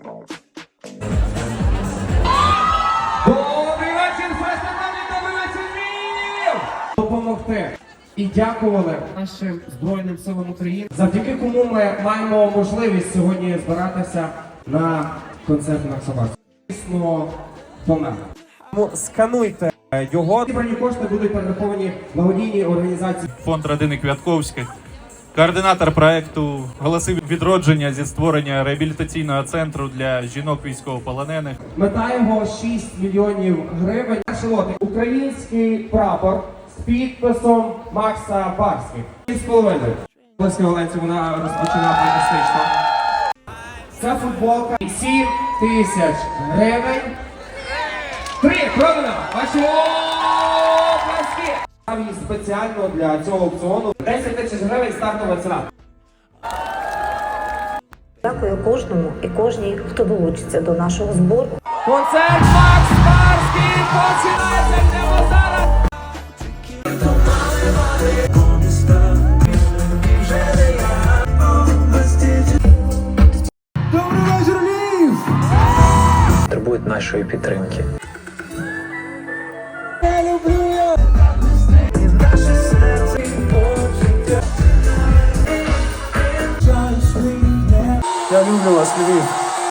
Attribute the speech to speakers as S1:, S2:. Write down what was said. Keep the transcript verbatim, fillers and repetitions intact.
S1: Добрий вечір, фестивалі, добрий вечір, Львів! Допомогти і дякували нашим Збройним силам України, завдяки кому ми маємо можливість сьогодні збиратися на концерт на собаці. Дійсно, помер. Скануйте його. Зібрані кошти будуть перераховані благодійній організації.
S2: Фонд родини Квятковських, координатор проекту «Голоси відродження» зі створення реабілітаційного центру для жінок військовополонених.
S1: Мета його шість мільйонів гривень. Шилоти. Український прапор з підписом Макса Барських. І з половиною. Близько Оленці вона розпочинає фантастично. Ця футболка сім тисяч гривень. Три, продано! Ваші оплески! І спеціально для цього аукціону десять тисяч гривень стартова ціна.
S3: Дякую кожному і кожній, хто долучиться до нашого збору.
S1: Концерт Макс Барський починається прямо зараз! Добрий вечір, Львів!
S4: Потребують нашої підтримки.
S1: Я люблю